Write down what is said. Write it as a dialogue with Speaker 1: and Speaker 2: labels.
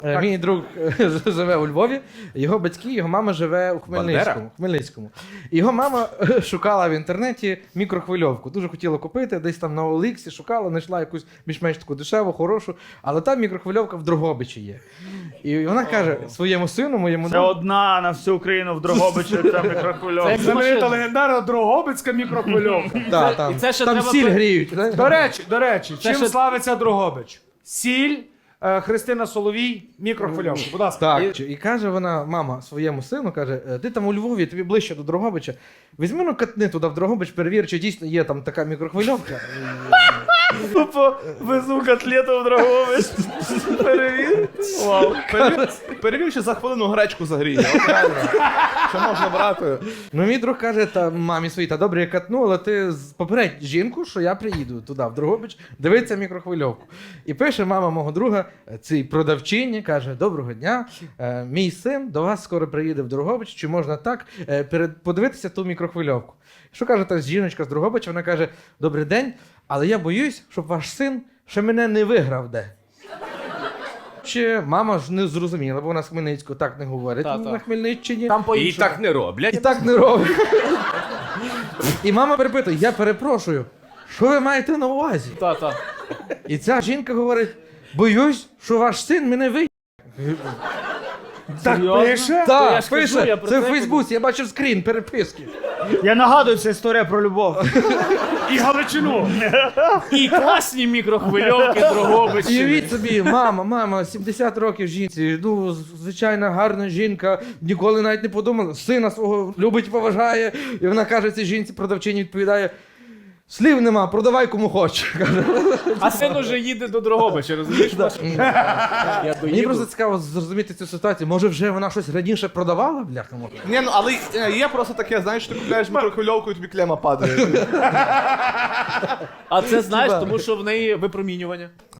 Speaker 1: Мій друг живе у Львові, його батьки, його мама живе у Хмельницькому. І його мама шукала в інтернеті мікрохвильовку. Дуже хотіла купити, десь там на Оліксі шукала, знайшла якусь більш-менш таку дешеву, хорошу, але там мікрохвильовка в Дрогобичі є. І вона каже своєму сину, моєму
Speaker 2: Це
Speaker 1: другу...
Speaker 2: одна на всю Україну в Дрогобичі, це мікрохвильовка.
Speaker 3: Знаменита легендарна Дрогобицька мікрохвильовка.
Speaker 1: Да, там,
Speaker 4: І це ще
Speaker 1: там
Speaker 4: треба
Speaker 1: сіль гріють. знаєш?
Speaker 3: До речі, чим
Speaker 4: ще-
Speaker 3: славиться Дрогобич? Сіль, Христина Соловій, мікрохвильовка. Будь ласка.
Speaker 1: Так, і каже вона, мама своєму сину, каже, ти там у Львові, тобі ближче до Дрогобича, візьми ну катни туди в Дрогобич, перевір, чи дійсно є там така мікрохвильовка.
Speaker 2: Тупо везу котлету в Дрогобич. Перевір. Вау.
Speaker 5: Перевір, чи за хвилину гречку загріє. От реально. Що можна брати?
Speaker 1: Ну, мій друг каже, та мамі своїй, та добре, я катну, але ти попередь жінку, що я приїду туди, в Дрогобич, дивиться мікрохвильовку. І пише мама мого друга, цій продавчині, каже, доброго дня, мій син до вас скоро приїде в Дрогобич, чи можна так подивитися ту мікрохвильовку. Що каже та жіночка з Дрогобича, вона каже, добрий день, але я боюсь, щоб ваш син ще мене не виграв де. Чи мама ж не зрозуміла, бо вона з Хмельницького так не говорить на Хмельниччині.
Speaker 4: Там
Speaker 6: І
Speaker 4: по-іншому.
Speaker 6: так не роблять.
Speaker 1: І так не робить. І мама перепитує, я перепрошую, що ви маєте на увазі?
Speaker 4: Та-та.
Speaker 1: І ця жінка говорить, боюсь, що ваш син мене виє.
Speaker 3: Так
Speaker 4: Серйозно?
Speaker 3: пише?
Speaker 4: я
Speaker 1: Так,
Speaker 4: ж кажу,
Speaker 1: пише,
Speaker 4: я про
Speaker 1: це в
Speaker 4: це
Speaker 1: Фейсбуці, я бачив скрін, переписки.
Speaker 2: Я нагадую, це історія про любов.
Speaker 3: І Галичину.
Speaker 4: І класні мікрохвильовки
Speaker 1: І
Speaker 4: Дрогобичі.
Speaker 1: уявіть собі, мама, 70 років жінці, ну, звичайна гарна жінка, ніколи навіть не подумала, сина свого любить і поважає. І вона каже цій жінці, продавчині відповідає, слів нема, продавай кому хочеш.
Speaker 4: А син уже їде до Дрогобича, розумієш? Я
Speaker 1: Мені
Speaker 4: доїду.
Speaker 1: просто цікаво зрозуміти цю ситуацію. Може вже вона щось раніше продавала, бляха?
Speaker 5: Ні, ну але є просто таке, знаєш, ти купляєш мікрохвильовку і тобі клема падає.
Speaker 4: А це знаєш, тому що в неї випромінювання.